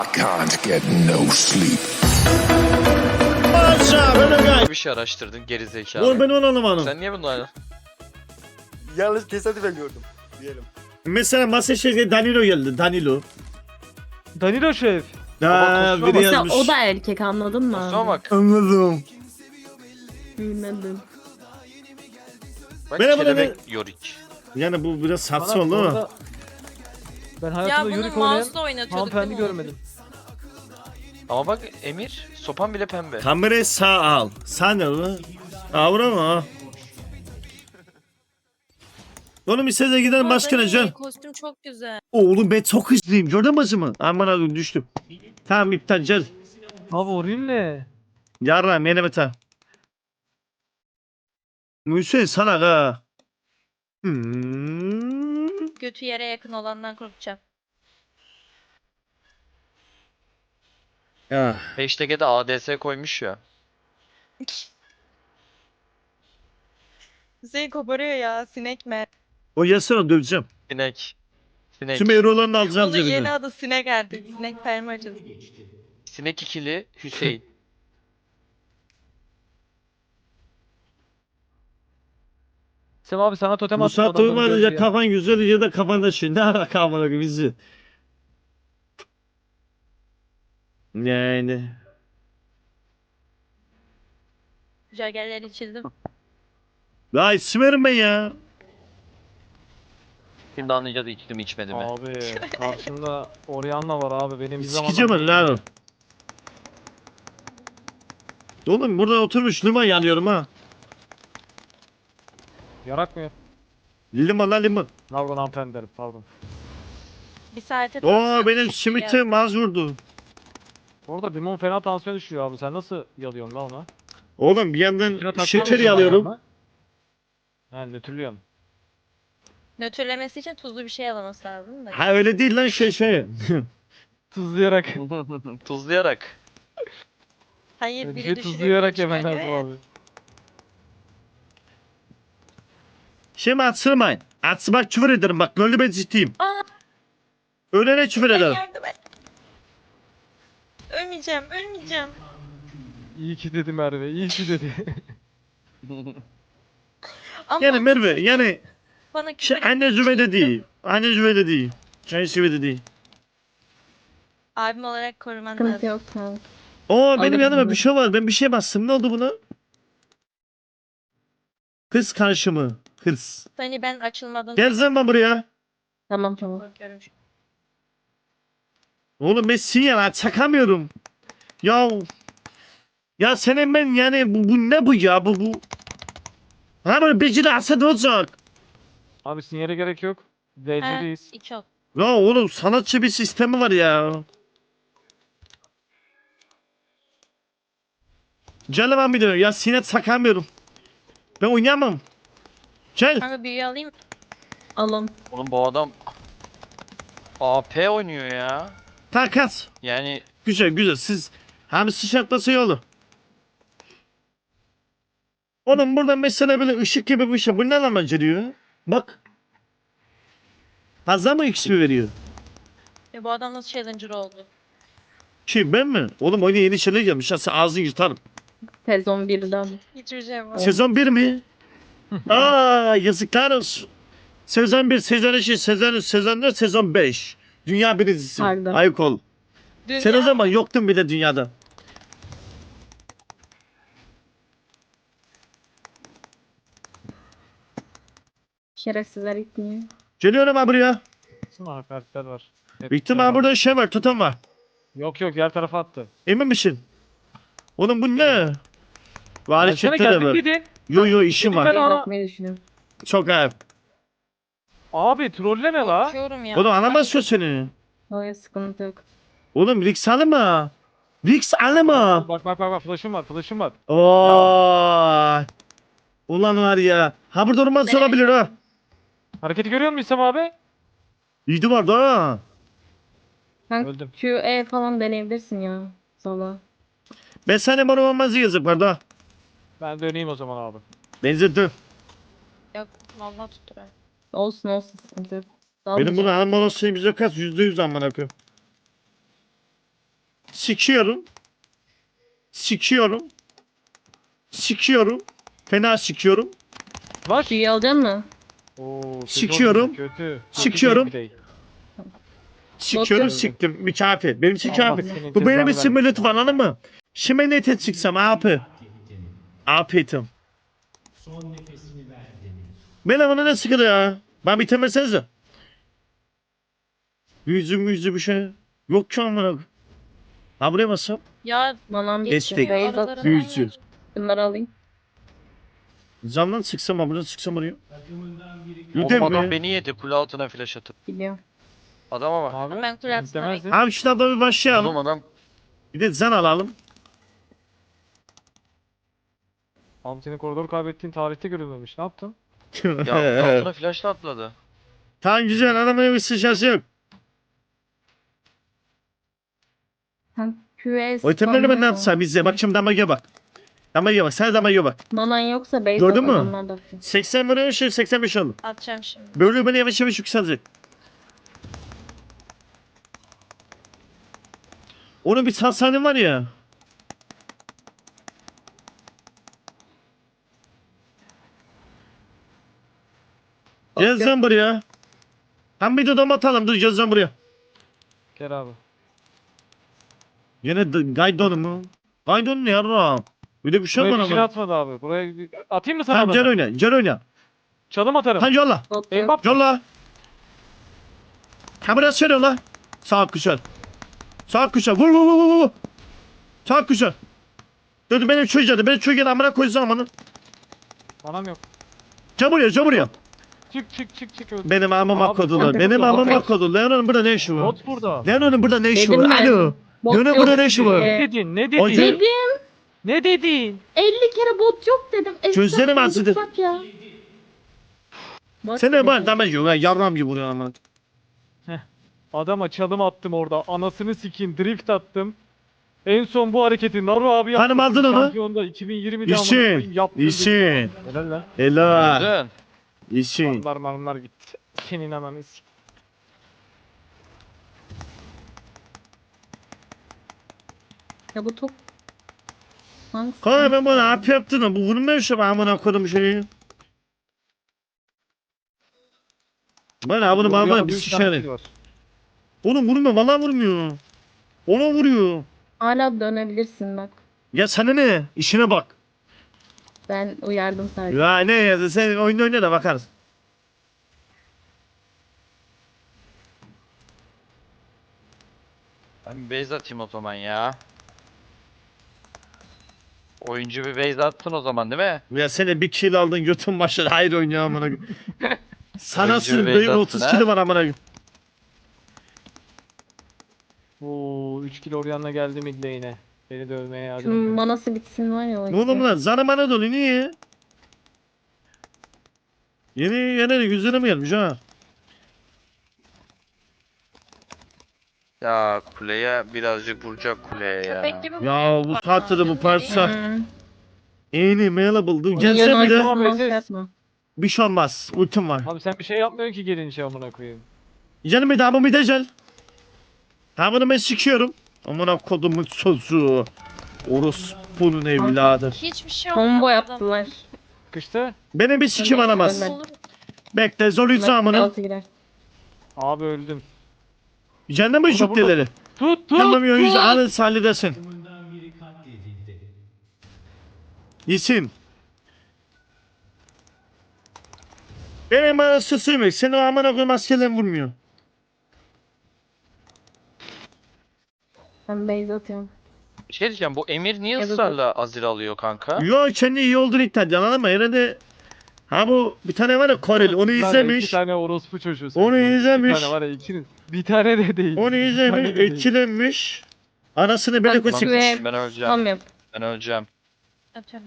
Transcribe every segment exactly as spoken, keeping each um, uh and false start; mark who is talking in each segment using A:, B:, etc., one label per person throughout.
A: I can't get no sleep.
B: Bir şey araştırdın gerizekalı.
C: Oğlum ben onu anlamadım.
B: Sen niye bunu
D: Yalnız tesadüfen gördüm diyelim.
C: Mesela Masterchef'e Danilo geldi. Danilo.
E: Danilo Şef.
C: Aa,
B: konuşma
C: biri
B: bak.
F: Mesela
C: yazmış.
F: o da erkek, anladın mı?
B: Kusura bak.
C: Anladım.
F: Bilmedim.
B: Bak
C: Merhaba,
B: kelebek
C: ben-
B: yorik.
C: Yani bu biraz saçma
E: Bana
C: oldu ama.
E: orada- Ben
G: Ya
E: hayatımda
G: bunu
E: yürük oynayan
G: mouse'la oynatıyorduk
E: hanımefendi
G: değil mi?
E: görmedim.
B: Ama bak Emir sopan bile pembe.
C: Kamerayı sağ al. Sağ ne lan? Avra mı? Oğlum istediğe gidelim
G: Bu
C: başka ne
G: arada
C: can?
G: Kostüm çok güzel.
C: Oğlum ben çok hızlıyım. Gördün mü acımı? Aman abi düştüm. Tamam iptal gel.
E: Abi orayın ne?
C: Yarram yine biter. Hüseyin sana ha. Hmm.
G: Götü yere yakın olandan korkacağım.
C: Ya.
B: Hashtag'e de A D S koymuş ya.
G: Hüseyin koparıyor ya, sinek mer.
C: O yasana döveceğim.
B: Sinek. Sinek.
C: Tüm eurolarını alacağım
G: Onun yeni
C: cebine.
G: adı sinek artık. Sinek permacı.
B: Sinek ikili Hüseyin.
E: Sem abi sana totem
C: Bu
E: attım.
C: saatte
E: adamları
C: uyumadın
E: gördü
C: ya kafan güzel ya da kafanda şey. Ne ara kafana bizi. Yani.
G: Jagerleri çizdim.
C: Ya isim verin ben ya.
B: Şimdi anlayacağız içtim içmedi mi?
E: Abi karşımda Orianna var abi benim bir
C: Sikeceğim
E: zamanlar.
C: ben lan. Oğlum burada oturmuş limon yanıyorum ha.
E: Yarakmıyor.
C: Limon lan limon.
E: Pardon hanımefendi derim pardon.
G: Bir saate
C: Oo benim simitim az vurdu.
E: Orada limon fena tansiyon düşüyor abi sen nasıl yalıyorsun lan ona?
C: Oğlum bir yandan
E: Şuna takıyor
C: şeker
E: musun
C: yalıyorum.
E: ayağına? Ha nötrlüyorum.
G: nötrlemesi için tuzlu bir şey alaması lazım da.
C: Ha öyle değil lan şey şey.
E: Tuzlayarak.
B: Tuzlayarak.
G: Hayır,
E: Bir
G: biri
E: şey
G: düşürüyor.
E: tuzlayarak
G: biri
E: yemen
G: çıkarıyor
E: lazım
G: ya.
E: abi.
C: Şimdi atsırmayın. Atsırmak küfür ederim bak böyle ben ciddiyim.
G: Aa!
C: Ölene küfür
G: Ben
C: ederim.
G: yardım et. Ölmeyeceğim, ölmeyeceğim.
E: İyi ki dedi Merve iyi ki dedi.
G: Ama
C: Yani Merve yani
G: bana
C: şey,
G: küfür
C: anne zübeyde değil. Anne zübeyde değil. Şey zübeyde değil.
G: abim olarak koruman
F: Sıkıntı
G: lazım.
F: yok kanka.
C: Oo benim
F: Alırım
C: yanıma
F: bunu.
C: bir şey var. Ben bir şey bastım. Ne oldu buna? Hırs karşımı. Hırs.
G: Hani ben açılmadan
C: Gel zaman buraya.
F: Tamam tamam.
G: korkuyorum.
C: Oğlum ben sinyal çakamıyorum. Ya ya senin ben yani bu, bu ne bu ya bu bu. Ha böyle beceri alsa ne olacak?
E: Abi sinyale gerek yok.
G: Ha,
E: D C'deyiz.
G: iki ok.
C: Ya oğlum sanatçı bir sistemi var ya. Gel lan bir de ya sinyal çakamıyorum. Ben oynayamam. Gel.
G: Kanka büyüğü alayım mı?
F: Alın.
B: Oğlum bu adam A P oynuyor ya.
C: Takas.
B: Yani
C: Güzel güzel siz hem sıçratması yolu. Oğlum burada mesela böyle ışık gibi bir şey. Bu ne lan beceriyor? Bak. Fazla mı X P veriyor?
G: Ya bu adam nasıl challenger oldu?
C: Şey ben mi? Oğlum oyuna yeni şeyler gelmiş. Ha, sen ağzını yırtarım.
F: Sezon birden.
G: Yitireceğim onu.
C: Sezon bir mi? Aa yazıklar olsun. Sezon bir, sezon iki, sezon üç, sezon dört, sezon beş. Dünya birincisi.
F: Pardon.
C: Ayık ol.
G: Dünya-
C: Sen o zaman yoktun bile dünyada.
F: Şerefsizler gitmiyor.
C: Geliyorum ha buraya.
E: Bütün harfler var. Hep
C: Büyük ihtimal
E: beraber.
C: burada şey var, tutan var.
E: Yok yok diğer tarafa attı.
C: Emin misin? Oğlum bu ne?
E: Ya
C: Vali
E: sana
C: chatte de
E: geldik
C: var.
E: dedin.
C: Yo yo işim
E: Ben
C: var.
E: ona-
F: Bakmayı düşünüyorum.
C: Çok ayıp.
E: Abi trolleme la.
G: Korkuyorum ya.
C: Oğlum anlamazsın seni.
F: Hayır sıkıntı yok.
C: Oğlum Rix alma. Rix alma.
E: Bak bak bak bak flash'ım var flash'ım var.
C: Oo. Ulan var ya. Ha burada olmaz olabilir ha.
E: Hareketi görüyor musun İslam abi?
C: İyiydi vardı ha.
F: Kanka
E: Öldüm.
F: Q E falan deneyebilirsin ya. Sola.
C: Ben sana bana olmaz yazık vardı ha.
E: Ben döneyim o zaman abi.
C: Benzetti.
G: Yok vallahi tutturar.
F: Olsun olsun sıkıntı yok.
C: Benim bunu alma olasılığım yüzde kaç? Yüzde yüz amına koyayım. Sikiyorum. Sikiyorum. Sikiyorum. Fena sikiyorum.
E: Var.
F: Suyu alacak mı?
E: Oo, kötü
C: Sikiyorum.
E: oldu, Kötü.
C: Sikiyorum.
E: Kötü gameplay.
C: Sikiyorum
F: yok.
C: siktim. Mükafir. Benim
E: Allah
C: mükafir.
E: senin
C: Bu benim
E: cezanı
C: için
E: vermesin.
C: lütfen anladın mı? Şimdi nete çıksam abi. Afiyetim. Bana bana ne sıkıntı ya? Ben bitemesenize. Yüzüm yüzü bir şey. Yok ki amına. Ha buraya basam.
G: Ya
F: Manam bitti.
C: Destek.
F: Beyaz
G: aralara
F: at.
C: Büyücü.
G: ver.
F: Bunları alayım.
C: Camdan sıksam ha buradan sıksam oraya.
B: Oğlum
C: Lütfen
B: adam
C: be.
B: beni yedi kule altına flash atıp.
F: Gidiyorum.
B: Adama bak.
E: Abi.
G: Ben kule altına
E: istemezdin.
C: Abi şuradan da bir
B: Oğlum
C: başlayalım.
B: adam
C: Bir de zan alalım.
E: Abi senin koridor kaybettiğin tarihte görülmemiş. Ne yaptın?
B: ya altına flashla atladı.
C: Tamam güzel adamın bir sıçrası yok.
F: Sen Q S
C: O itemleri ben ne yapsam bizde. Bak şimdi damage'e bak. Damage'e bak. Sen damage'e bak.
F: Manan yoksa base
C: Gördün mü?
F: adamlar da atıyor.
C: seksen vuruyor şey seksen beş aldım.
G: atacağım şimdi.
C: Böyle beni yavaş yavaş yükselecek. Onun bir hastanem var ya. Gelsen buraya. Tam bir dodom atalım. Dur gelsen buraya.
E: Gel abi.
C: Yine d- Gaydon mu? Gaydon ne yarram? Bir de bir şey
E: Buraya
C: bana
E: bir şey
C: bak.
E: atmadı abi. Buraya bir- atayım mı sana
C: Tamam gel
E: da?
C: oyna. Gel oyna.
E: Çalım atarım.
C: Hadi yolla.
F: Bot yok.
E: Mbappe.
C: Yolla. Ha biraz şöyle yolla. Sağ kuşar. Sağ kuşar. Vur vur vur vur. vur. Sağ kuşar. Dur dur, benim çocuğa benim çocuğa amına koyacağım amanın.
E: Manam yok.
C: Gel buraya gel buraya.
E: Çık çık çık çık öldü.
C: Benim amıma
E: Abi,
C: kodular.
E: bot-
C: Benim
E: bot-
C: amıma
E: bot-
C: kodular. Leon'un burada ne işi var?
E: Bot burada.
C: Leon'un burada ne işi
F: Dedim
C: var?
F: ben.
C: Alo.
F: Bot
C: Leon'un
F: yok.
C: burada ne işi var?
F: Ee,
E: Ne dedin? Ne
C: O-
E: dedin?
F: Dedim.
E: Ne dedin?
F: elli kere bot yok dedim. Esnaf
C: Gözlerim
F: gibi
C: acıdı.
F: bak ya. Bot
C: Sen ne
F: dedim.
C: var damaj yok ha yarram gibi vuruyor amına.
E: Adama çalım attım orada. Anasını sikeyim. Drift attım. En son bu hareketi Naru abi yaptı.
C: Hanım aldın onu.
E: Şampiyonda iki bin yirmide amına
C: İşin.
E: koyayım yaptı.
C: İşin.
E: Helal lan.
C: Helal.
B: Güzel.
C: İşin.
E: Marmar marmar gitti. Senin ananı sik.
F: Ya bu top. Hangisi?
C: Kanka ben bunu ne yaptın da bu vurmuyor şu ben amına koydum şeyi. Bana bunu bana bana bir
E: Üç tane
C: şişerim.
E: kill var.
C: Oğlum vurmuyor vallahi vurmuyor. Ona vuruyor.
F: Hala dönebilirsin bak.
C: Ya sana ne? İşine bak.
F: Ben uyardım sadece.
C: Ya ne ya sen oyun oyna da bakarız.
B: Ben bir base atayım o zaman ya. Oyuncu bir base atsın o zaman değil mi?
C: Ya sen de bir kill aldın götün başladı. Hayır oynuyor amına koyayım. Sana
B: Oyuncu
C: sür
B: bir
C: benim
B: base
C: otuz
B: atsın,
C: kill var amına koyayım.
E: Oo üç kilo Orianna geldi mid lane'e. Beni dövmeye yardım
F: Şunun
E: ediyor.
F: manası bitsin var ya o
C: Ne oğlum
F: işte.
C: lan? Zana bana dolu niye? Yeni yeni yüzüne mi gelmiş ha?
B: Ya kuleye birazcık vuracak kuleye ya.
G: Köpek gibi
C: Ya bu saatte de bu parça.
F: Hı.
C: Yeni available. Dur
F: Milyon
C: gelse bir de
E: Tamam,
F: oynamam,
E: Eses.
F: şey yapma.
C: bir şey olmaz. Ultim var.
E: Abi sen bir şey yapmıyorsun ki gelince amına koyayım.
C: Canım bir daha bu bir de gel. Ha bunu ben sikiyorum. Amına kodumun sözü. Orospu'nun evladı.
G: hiçbir şey
F: Combo
G: olmadı.
F: yaptılar.
E: Sıkıştı.
C: Beni bir sikim
F: Ölmek
C: alamaz.
F: ölmedi.
G: Olur.
C: Bekle zorluysa amına.
F: Altı girer.
E: Abi öldüm.
C: Cennet mi
E: Burada,
C: şükleleri?
E: Tut tut.
C: Anlamıyor yüzü
E: tut.
C: alın sallidesin. İsim. Benim bana sısıymış. Seni o amına koyayım askerlerim vurmuyor.
F: Ben base atıyorum.
B: Bir şey diyeceğim bu Emir niye
F: Ya da-
B: ısrarla Azir alıyor kanka?
C: Yo kendi iyi olduğunu iddia ediyor anladın mı? Herhalde ha bu bir tane var ya Koreli onu
E: Lan iki
C: izlemiş.
E: tane orospu çocuğu.
C: Onu
E: Bir
C: izlemiş.
E: tane var ya ikiniz. Bir tane de değil.
C: Onu
E: Bir
C: izlemiş,
E: tane de değil.
C: etkilenmiş. Anasını böyle
F: Bak,
C: koçuk.
F: Ve-
B: Ben öleceğim.
F: Tam yap.
B: Ben öleceğim.
G: Atıyorum.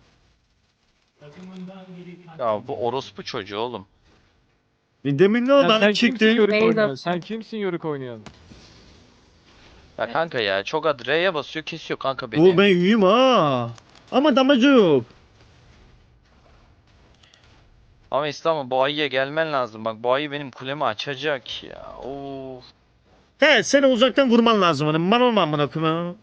B: Ya bu orospu çocuğu oğlum.
C: Demin ne
E: Ya
C: oldu?
E: sen
C: Hani
E: kimsin
C: çıktı.
E: yörük
F: Beyza.
E: oynuyorsun? Sen kimsin yörük oynuyorsun?
B: Ya kanka ya çok ad R'ye basıyor kesiyor kanka beni.
C: Bu ben iyiyim ha. Ama damacı yok.
B: Ama İslam'ım bu ayıya gelmen lazım. Bak bu ayı benim kulemi açacak ya. Of.
C: He seni uzaktan vurman lazım hani. Man olma amına koyayım.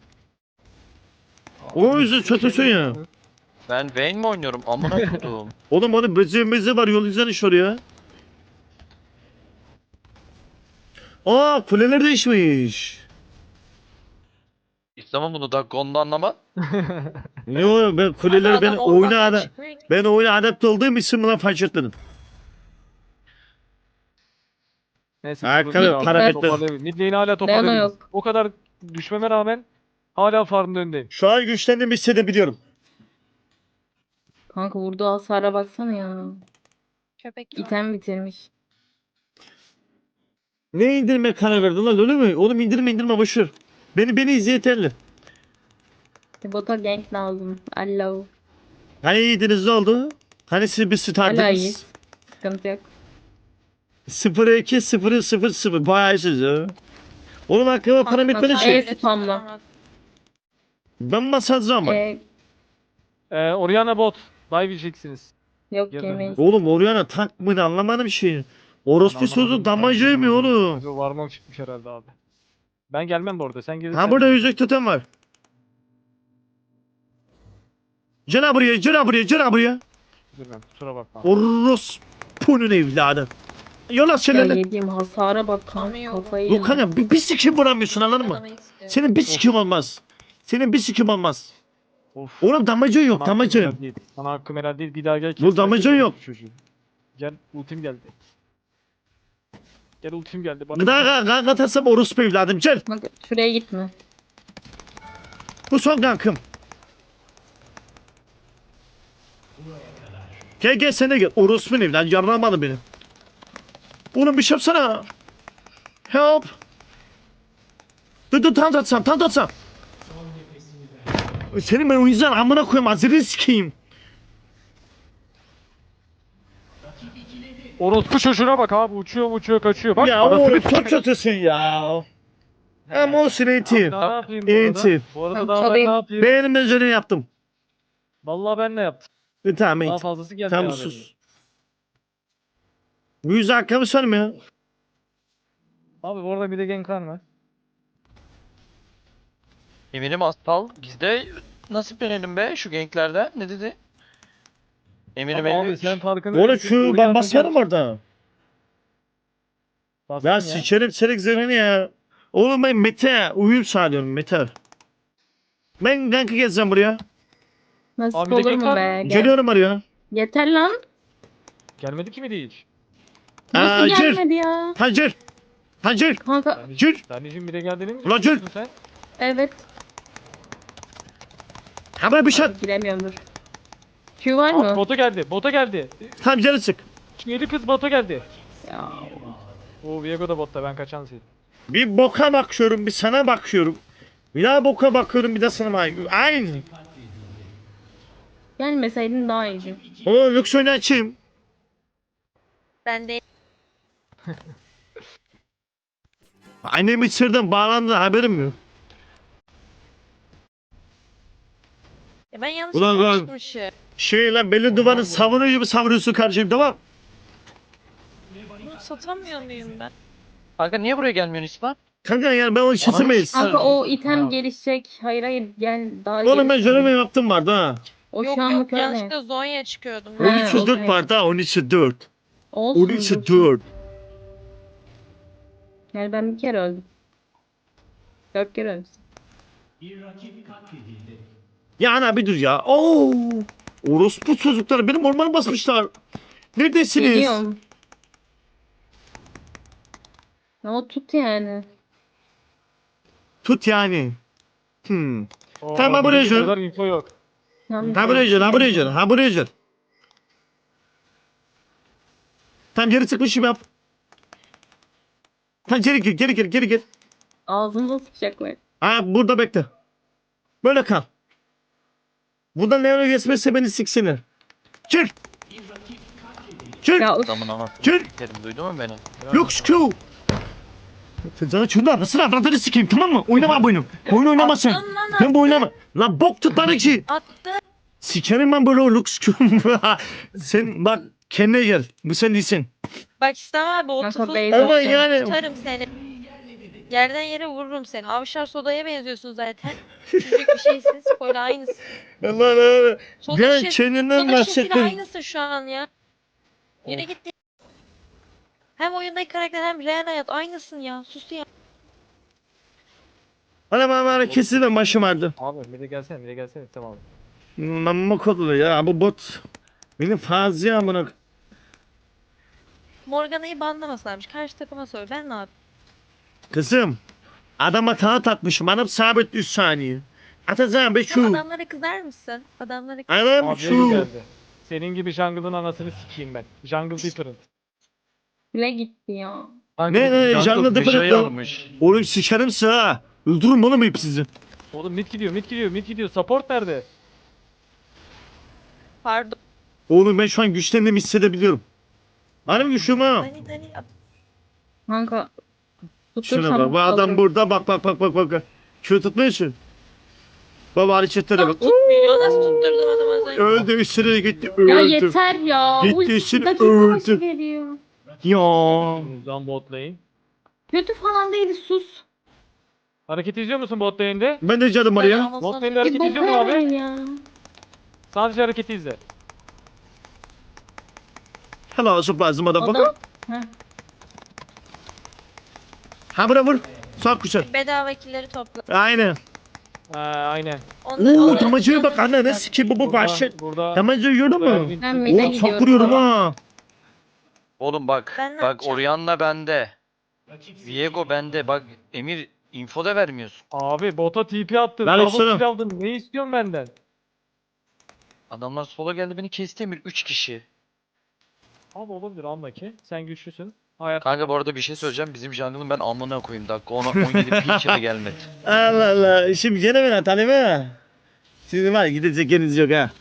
C: O yüzden çötüsün ya.
B: Ben Vayne mi oynuyorum? Amına kodum.
C: Oğlum onun bezi mezi var yol izlen iş oraya. Aa kuleler değişmiş.
B: İstemem bunu da Gon'da anlama.
C: Ne o ben kuleleri
G: Abi
C: ben
G: adam oradan
C: oyuna ada
G: çıkmıyor ki.
C: ben oyuna adapte olduğum için buna fark etmedim.
E: Neyse.
C: Ayakkabı,
E: dur,
C: para
E: dur,
C: bekle.
E: toparlayabiliriz. Mid lane'i hala
F: Leona
E: toparlayabiliriz.
F: yok.
E: O kadar düşmeme rağmen hala farmın önündeyim.
C: Şu an güçlendiğimi hissedebiliyorum.
F: Kanka vurduğu hasara baksana ya.
G: Köpek.
F: İtem bitirmiş.
C: Ne indirme karar verdin lan öyle mi? Oğlum indirme indirme boşver. Beni beni izle yeterli.
F: Bota gank lazım. Allo.
C: Hani iyiydiniz ne oldu? Hani siz bir
F: Hala
C: startınız?
F: iyiyiz. Sıkıntı yok.
C: sıfır iki sıfır sıfır sıfır bayağı iyisiniz ya. Oğlum aklıma para bitmedi
F: bak,
C: şey.
F: evet. spamla.
C: Ben masajcıyım bak.
F: Ee,
E: Ee, Orianna bot. Dive yiyeceksiniz.
F: yok
E: Girdim.
F: yemeyiz.
C: Oğlum Oriana tank mı ne anlamadım şey. Orospu sözü damacı yemiyor oğlum.
E: Bu Varmam çıkmış herhalde abi. Ben gelmem bu arada. Sen gelirsen.
C: Ha burada yüzük tutan var. Cana buraya, cana buraya, cana buraya.
E: Üzülmem, kusura bakma.
C: Orospu'nun evladı. Yola
F: Ya
C: şeylerle.
F: yediğim hasara bak kanka
G: Anlıyorum.
F: kafayı
C: Yok
F: yedim.
C: kanka bir, bir sikim vuramıyorsun anladın mı?
G: Adamı istiyor.
C: Senin bir sikim olmaz. Senin bir sikim olmaz.
E: Of.
C: Oğlum damacı yok,
E: Sana hakkım
C: damacı.
E: helal değil. Sana hakkım helal değil. Bir daha gel.
C: Bu damacın yok.
E: Çocuğu. Gel ultim geldi. Gel ultim geldi. Bana
C: Gıda kanka atarsam orospu evladım gel.
F: Bak şuraya gitme.
C: Bu son kankım. Gel gel sen de gel. Orospu evladım yarlamadı beni. Oğlum bir şey yapsana. Help. Dur dur tam atsam tam atsam. Senin ben o yüzden amına koyayım hazırı sikeyim.
E: Orospu çocuğuna bak abi. Uçuyor uçuyor kaçıyor. Bak.
C: Ya
E: arasını
C: oğlum
E: sikeyim.
C: çok kötüsün ya. Hem olsun eğitim.
E: Daha ne yapayım bu arada?
C: Eğitim.
E: Bu arada
F: Tamam,
E: daha ben
F: çalayım.
E: ne yapayım?
C: Beğenim üzerine yaptım.
E: Vallahi ben ne yaptım?
C: E, tamam
E: Daha
C: eğitim.
E: fazlası geldi
C: Tamam
E: abi.
C: sus. Bu yüzden hakkımı söyleme ya.
E: Abi bu arada bir de Genkan var.
B: Eminim Astal bizde nasip verelim be şu ganklerden. Ne dedi? Eminim
E: Abi, abi
B: elli üç.
E: sen farkında
C: Oğlum
E: değilsin.
C: şu
E: Oraya
C: ben basarım
E: atacağım.
C: orada.
E: Bastın
C: Ya
E: ya.
C: sikerim serik zırhını ya. Oğlum ben Mete uyum sağlıyorum Mete. Ben kanka gezeceğim buraya.
F: Nasıl
E: Abi bir de
F: olur mu
E: gank var.
F: be? Gel.
C: Geliyorum oraya.
F: Yeter lan.
E: Gelmedi ki mi değil?
F: Nasıl
C: Aa, gir.
F: gelmedi ya?
C: Hancır. Hancır.
F: Kanka
C: Gir.
E: Tanecim bir de geldi mi?
C: Ulan gir.
E: Sen?
F: evet.
C: Haber bir şey.
F: Giremiyorum dur. Q var
E: Abi,
F: mı?
E: bota geldi. Bota geldi.
C: Tam canı sık.
E: Yedi kız bota geldi.
F: Ya.
E: Oo Viego da botta ben kaçan sil.
C: Bir boka bakıyorum bir sana bakıyorum. Bir daha boka bakıyorum bir de sana bakıyorum. Aynı.
F: Gelmeseydin daha iyiydi.
C: O lüks oyunu açayım.
G: Ben de
C: Annemi sırdan bağlandı haberim yok.
G: Ya ben yanlış
C: Ulan lan.
G: konuşmuşum.
C: Şey lan belli duvarı savunuyor gibi savuruyorsun kardeşim tamam.
G: Bunu satamıyor muyum ben?
B: Kanka niye buraya gelmiyorsun İslam?
C: Kanka yani ben onu çizemeyiz.
F: Kanka o item
E: Ya.
F: gelişecek. Hayır hayır gel daha
C: Oğlum ben
F: gelişecek.
C: görev yaptım vardı ha.
F: O
G: yok
F: şu
G: yok
F: anlık öyle.
G: yanlışlıkla Zonya çıkıyordum.
F: Ha,
C: on üçe dört
F: okey.
C: vardı ha on üçe dört.
F: Olsun.
C: on üçe
F: dursun.
C: dört.
F: Yani ben bir kere öldüm. Dört kere öldüm.
C: Ya ana bir dur ya. Oo! Orospu çocukları benim ormanı basmışlar. Neredesiniz?
F: Geliyorum. Ya o tut yani.
C: Tut yani. Hmm.
E: Oo,
C: Tamam,
E: bir
C: buraya
E: de
C: gel.
E: kadar info yok.
F: Tam
C: Ha buraya gel, ha buraya gel, ha buraya gel. Tam geri çıkmışım yap. Tam geri gir, geri gir, geri gir.
F: Ağzımıza sıkacaklar.
C: Ha burada bekle. Böyle kal. Buradan Leon'a geçmezse beni siksinler. Gir. Gir.
F: Ya üf,
B: Adamın anasını
C: Gir.
B: sikerim duydun mu beni?
C: Lux Q. Sen sana şunu anasını avradını sikeyim tamam mı? Oynama bu oyunu. Oyun oynama sen.
G: Attın lan
C: Ben bu oynama. Lan bok tut lan iki.
G: attı.
C: Sikerim ben böyle o Lux Q. Sen bak kendine gel. Bu sen değilsin.
G: Bak İslam abi o
F: Kanka
G: tıfıl
F: base
C: Ama
F: atacağım.
C: yani
G: tutarım seni. Yerden yere vururum seni. Avşar Soda'ya benziyorsun zaten. Küçücük bir şeysin. Spoiler aynısın.
C: Allah Allah.
G: Soda
C: Ben
G: şişesi-
C: kendinden
G: Soda şişesiyle
C: bahsettim.
G: aynısın şu an ya. Yürü git. Hem oyundaki karakter hem real hayat aynısın ya. Sus ya.
C: Bana bana bana kesin başım ağrıdı.
E: Abi bir de gelsene bir de gelsene tamam.
C: Mamma kodulu ya bu bot. Benim fazla ya bunu.
G: Morgana'yı banlamasınlarmış. Karşı takıma söyle. Ben ne yapayım?
C: Kızım. Adama taht atmışım. Adam sabit üç saniye. Atacağım be
G: Sen
C: şu.
G: adamlara kızar mısın? Adamlara
C: Adam
E: Abi
C: şu.
E: geldi. Senin gibi jungle'ın anasını sikeyim ben. Jungle different.
F: Bile gitti ya.
C: Ne ne canlı
B: bir şey
C: dıpırıklı.
B: almış.
C: Oğlum sikerim ha. Öldürürüm oğlum hep sizi.
E: Oğlum mid gidiyor mid gidiyor mid gidiyor. Support nerede?
G: Pardon.
C: Oğlum ben şu an güçlendiğimi hissedebiliyorum. Benim güçlüyüm ha.
G: Dani Dani.
F: Kanka.
C: Şuna
F: tutursam
C: bak bu adam
F: alırım.
C: burada bak bak bak bak bak. Kör tutmuyorsun. Baba hareketlere bak.
G: Tutmuyor. Nasıl tutturdum adamı az önce?
C: Öldü üstüne gitti
F: Ya
C: öldü.
F: yeter ya.
C: Gitti,
F: Ulti
C: işin
F: dakika
C: öldü.
F: başı veriyor.
C: Ya.
E: Uzan bot lane.
F: Kötü falan değil sus.
E: Hareket izliyor musun bot lane'de?
C: Ben de canım var ya.
E: Bot lane'de
F: Bir
E: hareket
F: bok
E: izliyor musun abi?
F: vermeyin ya.
E: Sadece hareketi izle.
C: Helal olsun lazım adam bak.
F: Adam. Heh.
C: Ha bura vur. Sağ kuşat.
G: Bedava killeri topla.
C: Aynen.
E: Ha aynen.
G: Onları-
C: Oo
G: onları-
C: tamacıya bak anne ne sikeyim bu bu
E: Burada,
C: bahşet.
E: burada,
C: Tamacı yiyor
E: burada
C: mu?
E: Erwin-
F: Ben mid'e
C: Oo
F: gidiyorum.
C: çok vuruyorum ha.
B: Oğlum bak.
G: Ben ne
B: bak
G: yapacağım?
B: Orianna bende. Viego bende. Bak Emir info da vermiyorsun.
E: Abi bota T P attın.
C: Ver
E: Double
C: üstüne.
E: kill aldın. Ne istiyorsun benden?
B: Adamlar sola geldi beni kesti Emir. üç kişi.
E: Abi olabilir anla ki. Sen güçlüsün. Hayat.
B: Kanka bu arada bir şey söyleyeceğim. Bizim jungle'ın ben amına koyayım. Dakika ona on yedi bir kere gelmedi.
C: Allah Allah. Şimdi gene ben atalım ha. Sizin var ya gidecek yeriniz yok ha.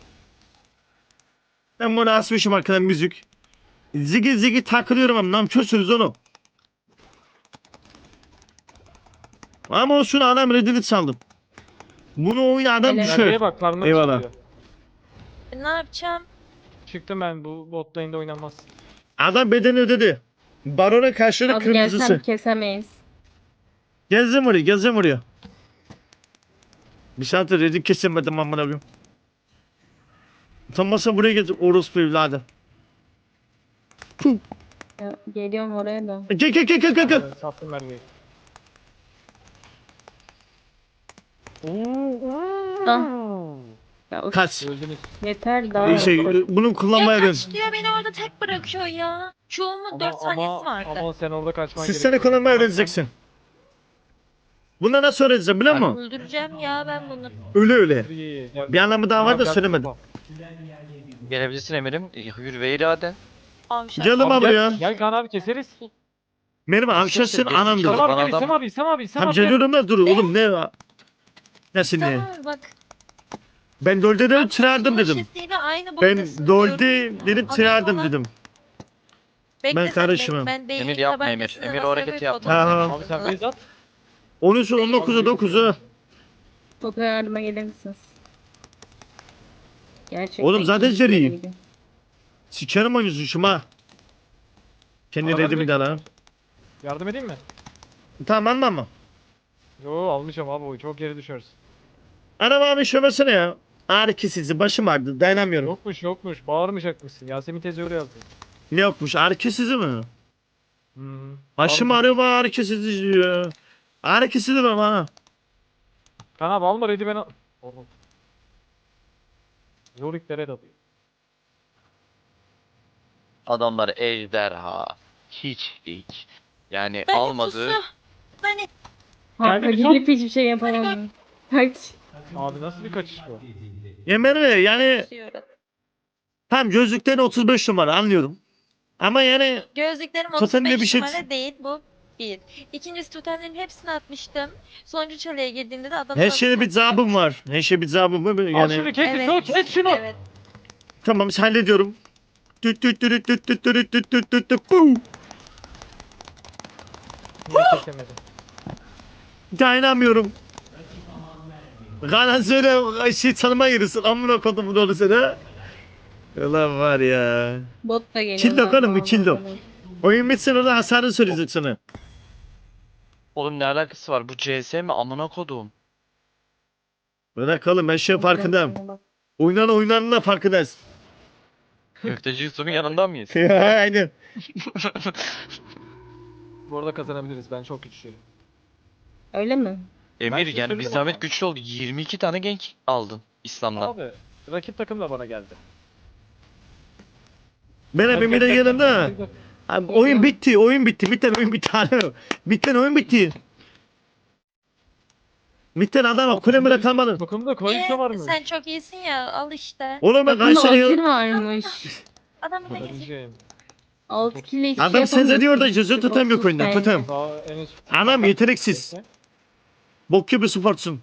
C: Ben bunu asmışım arkadan müzik. Zigi zigi takılıyorum ama namkörsünüz onu. Ama olsun adam redini saldım. Bunu oyun adam
F: Helal.
C: düşür.
E: Nereye bak karnına
C: Eyvallah.
E: çıkıyor.
G: Ne yapacağım?
E: Çıktım ben bu bot lane'de oynanmaz.
C: Adam bedeni ödedi. Barona karşılığı
F: Az gelsem
C: kırmızısı.
F: kesemeyiz.
C: Gezdim oraya, gezdim oraya. Bir saattir redik kesemedim amına koyayım. Utanmasa buraya getir orospu evladı. Puh.
F: Ya, geliyorum oraya da.
C: Gel gel gel gel gel gel.
E: Evet, sattım mermiyi.
F: Ah. Ya, of,
C: Kaç.
E: Öldünüz.
F: yeter daha.
C: Şey, bunu kullanmaya
G: Ya
C: ben.
G: kaç diyor beni orada tek bırakıyor ya. Çoğumun
E: Ama,
G: dört saniyesi
E: ama,
G: vardı.
E: ama sen orada kaçman
C: Siz
E: gerekiyor.
C: seni kullanmayı öğreneceksin. Buna nasıl öğreneceğim biliyor musun?
G: Öldüreceğim ya ben bunu.
C: Öyle öyle.
E: İyi, gel.
C: Bir anlamı daha var da
E: Gel,
C: söylemedim.
E: bak.
B: Gelebilirsin Emir'im. Yürü ve iraden.
G: Avşar.
C: Canım
E: Abi
C: abi
E: gel,
C: ya.
E: gel Kaan abi keseriz.
C: Benim avşasın
B: Geçmiş
C: anamdır.
B: olsun.
E: İsem
B: Bana
E: abi gel,
B: adam-
E: İsem abi, İsem abi, İsem
C: Tam
E: abi. gel.
C: geliyorum da dur oğlum ne? Nasıl ne?
G: Tamam bak.
C: Ben Dolde dedim tırardım
G: Soda
C: dedim.
G: şişesiyle aynı
C: Ben
G: boyutasın
C: Dolde
G: diyorum.
C: dedim
G: Abi
C: tırardım
G: falan.
C: dedim.
G: Bekle
C: ben
G: sen,
C: karışmam.
G: Ben, ben
B: Emir
G: beyin
B: yapma
G: tabancasını
B: Emir. Emir o
G: masaya
B: hareketi
G: koyup
B: yapma.
C: Ha.
E: Abi sen base at.
C: on üç on dokuza dokuzu.
F: Fotoya yardıma gelir misiniz? Gerçekten.
C: Oğlum zaten
F: iyi
C: seriyim.
F: geliyor.
C: Sikerim oynuyorsun şuma. Kendi
E: Adam
C: redimi de lan.
E: Yardım edeyim mi?
C: Tamam anma mı?
E: Yo almışım abi oyu çok geri düşeriz.
C: Anam abi şömesene ya. Ağrı kesici başım ağrıdı dayanamıyorum.
E: Yokmuş yokmuş bağırmayacakmışsın. Yasemin teyze öyle yazdı.
C: Ne yokmuş ağrı kesici mi?
E: Hmm.
C: Başım
E: Bağırma.
C: ağrıyor bana ağrı kesici diyor. Ağrı kesici mi bana?
E: Kaan abi alma ready ben al. Oğlum. Yoriklere de atıyor.
B: Adamlar ejderha. Hiç hiç. Yani
G: Ben
B: almadı.
G: pusu. Beni
F: Kanka
E: Geldi bir
F: gidip hiçbir şey yapamam. Kaç.
E: Abi nasıl bir kaçış bu?
C: Yemin mi? Yani
G: tutuyorum.
C: tam gözlükten otuz beş numara anlıyorum. Ama yani
G: Gözlüklerim
C: Totemde
G: otuz beş
C: bir şey-
G: numara değil bu. Bir. İkincisi totemlerin hepsini atmıştım. Sonuncu çalıya girdiğimde de adam...
C: her şeyde bir zabım var. Her şey bir zabım var.
E: Al şunu
C: Yani
E: kes
G: Evet.
E: evet. kes şunu.
G: Evet.
C: tamam hallediyorum. Düt düt düt düt düt düt düt düt düt düt düt bum.
E: Niye kesemedin?
C: Dayanamıyorum. Kanan söyle şey tanıma yerisin. Amına kodum bunu onu sana. Ulan var ya.
F: Bot da geliyor.
C: Kill
F: zaten
C: bakalım, bir
F: ondan
C: kill
F: sonra.
C: Oyun bitsin orada hasarını söyleyecek sana.
B: Oğlum ne alakası var? Bu C S mi? Amına kodum.
C: Bırakalım ben şey farkındayım. Oynanan oynananın da farkındayız.
B: Köfteci Yusuf'un yanında mıyız?
C: Aynen.
E: Bu arada kazanabiliriz. Ben çok güçlüyüm.
F: Öyle mi?
B: Emir
E: size
B: yani bir
E: söyleyeyim
B: zahmet
E: ama.
B: güçlü oldu. yirmi iki tane gank aldın İslam'dan.
E: Abi rakip takım da bana geldi.
C: Benim Emir'e yanında. Abi, oyun bitti, oyun bitti. Bitten oyun bitti. Alo. Bitten oyun bitti. Bitten adam kulemire kalmadı.
E: Takımda koalisyon var
G: Ee,
E: mı?
G: sen çok iyisin ya al işte.
C: Oğlum ben
F: Takımda
C: kaç
F: Otil
C: tane...
F: varmış.
G: Adam bir de
E: Kazanacağım.
F: Altı kille hiçbir
C: Adam
F: şey
C: sen
F: yapamıyorsun.
C: diyor da cüzü tutamıyor oyunda.
F: Bence.
C: Tutam.
E: Daha en üst.
C: Anam yeteneksiz. Bok gibi sportsun.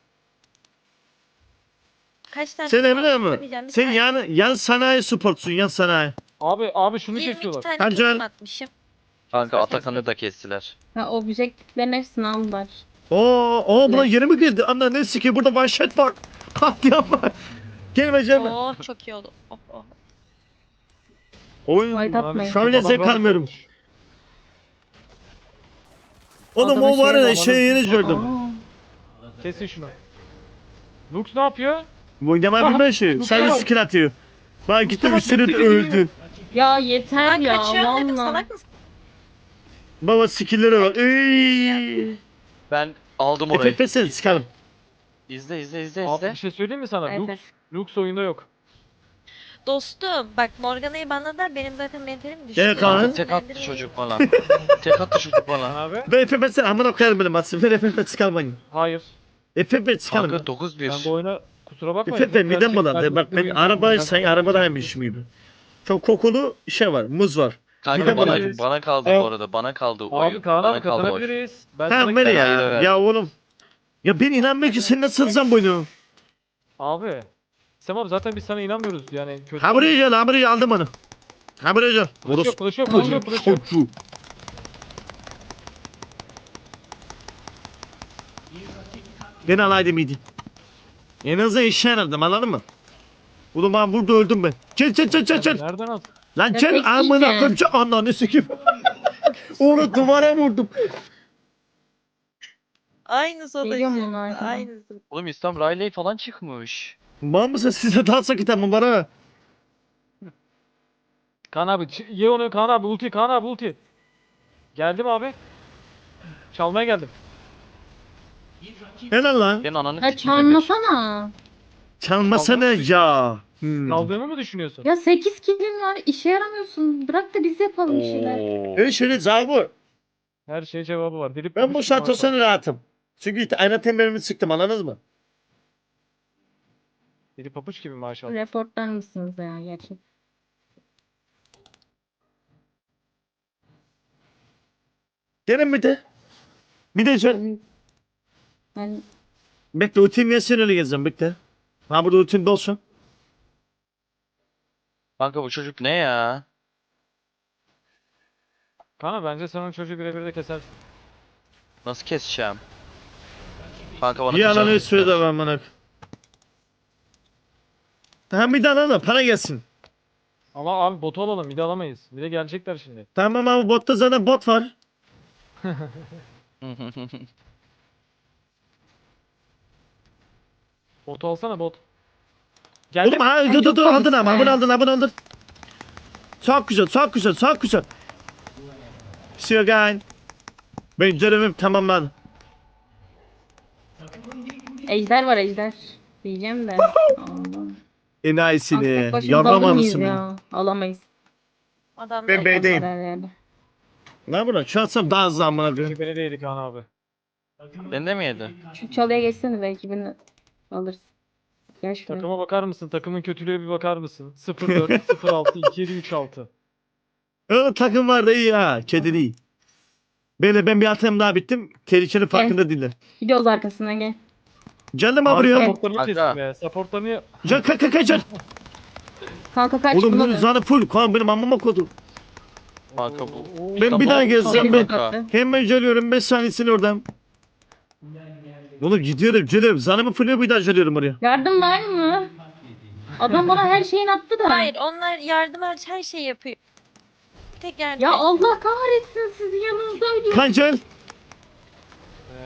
G: kaç tane
C: Sen Emre mi?
G: söyleyeceğim, bir
C: Sen
G: tane-
C: yan, yan sanayi sportsun, yan sanayi.
E: Abi abi şunu
G: yirmi iki
E: kesiyorlar.
G: tane
C: Hancı-
G: takım atmışım.
B: Kanka Atakan'ı da kestiler.
F: Ha objektiflerin hepsini aldılar.
C: Oo, oo buna yeni mi girdi? Anla ne siki burada manşet var. Katliam var. Gelmeyeceğim.
G: Oo çok iyi oldu. Oh, oh.
C: Oyun.
F: White atmayın.
C: Şu an bile zevk almıyorum. Oğlum
F: Adamın
C: o var
F: şeyi
C: ya
F: var.
C: şey yeni gördüm.
F: Aa,
E: Kesin şunu. Lux ne yapıyor?
C: Bu ne bilmem şey. Sadece skill atıyor. Bak gitti üstüne de öldü.
F: ya yeter
G: Ben
F: ya
G: kaçıyorum dedim
F: valla.
G: salak mısın?
C: Baba skill'lere bak. Ey.
B: Ben aldım orayı.
C: F F S'e sıkalım.
B: İzle izle izle
E: Abi
B: izle.
E: bir şey söyleyeyim mi sana? Lux,
F: Evet.
E: Lux oyunda yok.
G: Dostum bak Morgana'yı banladılar benim zaten mentalim düştü.
C: Gel Kaan.
B: Tek attı çocuk bana. Tek attı çocuk
E: Lan
B: bana.
E: abi?
C: Ben F F S'e amına koyarım benim atsın. Ben F F S sıkalmayın.
E: Hayır.
C: F F S sıkalım.
B: Kanka dokuz bir.
E: Ben bu oyuna kusura bakma.
C: F F S midem bulandı. Bak ben araba sen arabadaymışım gibi. Çok kokulu şey var. Muz var.
B: Kanka
C: Midem
B: bana,
E: bulandı.
B: bana kaldı
C: Evet.
B: bu arada. Bana kaldı
E: Abi
B: oyun.
E: Kaan
B: Bana
E: abi
B: kaldı oyun.
E: kazanabiliriz. Ben
C: Ha
E: sana
C: beni
B: ben
C: ya.
B: ayı da verdim.
C: Ya oğlum. Ya ben inanmıyorum ki sen nasıl sızacaksın bu oyunu?
E: Abi. Sem abi zaten biz sana inanmıyoruz yani kötü.
C: Ha buraya gel, ha buraya gel, aldım onu. Ha buraya gel.
E: Kılıç yok, kılıç yok, kılıç yok, kılıç yok.
C: Çocuğu. Ben alaydım iyiydi. En azından işe yaradım anladın mı? Oğlum ben burada öldüm ben. Çel çel çel çel çel.
E: Nereden al?
C: Lan
F: Ya
C: çel
F: tek
C: amına
F: işe.
C: koyayım çel. Ananı sikeyim. Onu duvara vurdum.
G: Aynısı o da
F: Geliyor mu
G: işte.
F: onlar?
G: Aynısı.
B: Oğlum İslam Riley falan çıkmış.
C: Var mısın size daha sakit ama bana?
E: Kaan abi ç- ye onu Kaan abi ulti Kaan abi ulti. Geldim abi. Çalmaya geldim.
C: Helal lan.
B: Senin ananı
F: Ha
B: sikeyim Emir.
F: çalmasana.
C: Çalmasana ya. Hmm.
E: Kaldığımı mı düşünüyorsun?
F: Ya sekiz killin var işe yaramıyorsun. Bırak da biz yapalım bir şeyler.
B: Oo.
C: Öyle şöyle Zabur.
E: Her şeye cevabı var. Dilip
C: Ben bu saatten sonra rahatım. Çünkü ayna temelimi sıktım anladınız mı?
E: Dili papuç gibi maşallah.
F: Reportlar mısınız ya gerçekten?
C: Gelin bir de. Bir de şöyle.
F: Ben
C: Bekle ultim yesin öyle gezeceğim bekle. Ha burada ultim dolsun.
B: Kanka bu çocuk ne ya?
E: Kaan abi bence sen onu çocuğu birebir de kesersin.
B: Nasıl keseceğim? Kanka bana
C: Bir ananı
B: tecavüz
C: üstüne de
B: ettiler.
C: ben bana. Tamam bir de alalım para gelsin.
E: Ama abi botu alalım bir de alamayız. Bir de gelecekler şimdi.
C: Tamam abi botta zaten bot var.
E: Botu alsana bot. Geldim.
C: Oğlum ha dur
F: çok
C: dur dur aldın
F: komik
C: ama
F: ya.
C: bunu aldın bunu aldın. Çok güzel çok güzel çok güzel. Sürgen. Benim görevim tamamlandı.
F: ejder var ejder. Diyeceğim de. Allah.
C: Enayisini.
F: Tek başımıza alır
C: Yavrama
F: mıyız
C: mısın?
F: ya? Alamayız.
G: Adam
C: Ben B'deyim.
F: Karar verdi.
C: Ne buna? Şu atsam daha hızlı amına koyayım.
E: Çünkü beni değdi Kaan abi.
B: Beni de mi yedi?
F: Şu çalıya geçsene belki beni alırsın. Gel şuraya.
E: Takıma bakar mısın? Takımın kötülüğe bir bakar mısın? sıfır dört, sıfır altı, iki yedi, üç altı.
C: Öyle takım var da iyi ha. Kedi değil. Böyle ben bir atayım daha bittim. Tehlikeli farkında değiller.
F: Gidiyoruz arkasından gel.
C: Canım
E: Abi
C: vuruyor.
E: supportlarını
B: Kanka.
E: kestim ya. Supportlarını...
C: Can kalk kalk kalk can.
F: Kanka kaç
C: Oğlum
F: bunu
C: bunun
F: da.
C: zanı full. Kan benim amıma kodu.
B: Kanka bu.
C: Ben bir daha gezsem ben.
B: Kanka.
C: Hemen geliyorum beş saniyesini oradan. Oğlum gidiyorum geliyorum. Zanımı full bir daha geliyorum oraya.
F: Yardım var mı? Adam bana her şeyini attı da.
G: Hayır onlar yardım hariç her şeyi yapıyor. Tek yardım.
F: Ya Allah kahretsin sizi yanınızda ölüyor.
C: Kan gel.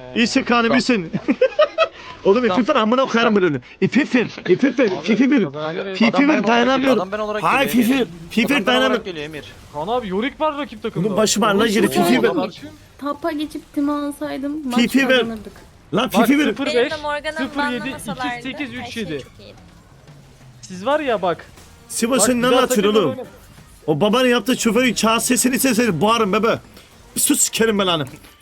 C: İyisin kanı bilsin. Oğlum ipi ver amına koyarım böyle. İpi ver. İpi ver. İpi ver. Fifi
B: Adam ben
C: ver
B: olarak
C: dayanamıyorum.
B: Adam ben olarak
C: Hayır
B: geliyor
C: Fifi.
B: Emir.
C: Fifi
B: Adam ben
C: dayanamıyorum.
B: olarak geliyor Emir.
E: Kaan abi Yorick var rakip takımda.
C: Bunun başı var lan yeri
E: Oğlum,
C: Fifi ver.
E: adamlar-
F: Tapa geçip timi alsaydım maç
C: Fifi ver.
F: kazanırdık.
C: Lan
E: Bak
C: Fifi ver.
E: sıfır
G: Benim
E: beş,
G: de Morgan'ın
E: sıfır yedi,
G: banlamasalardı
E: iki sekiz,
G: her
E: üç
G: şey
E: yedi.
G: çok iyiydi.
E: Siz var ya bak.
C: Sivas'ın ne
E: bak, güzel
C: anlatıyorsun
E: takımlar
C: oğlum?
E: oynar.
C: O babanın yaptığı şoförün çağ sesini sesini boğarım bebe. Bir sus sikerim ben hanım.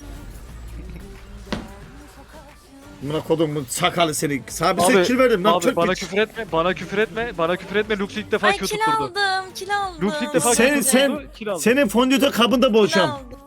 C: Buna kodum bu sakalı seni. Sana bir
E: Abi,
C: sen kill verdim lan
E: Abi
C: Türk
E: bana
C: piç.
E: küfür etme, bana küfür etme, bana küfür etme. Lux ilk defa
G: Ay
E: Q
G: kil
E: tutturdu.
G: aldım, kil aldım.
E: Lux ilk defa
C: Sen-
E: Q
C: sen-
E: tutturdu, kill aldı.
C: Senin fondöte kabında
G: Kil
C: boğacağım.
G: aldım.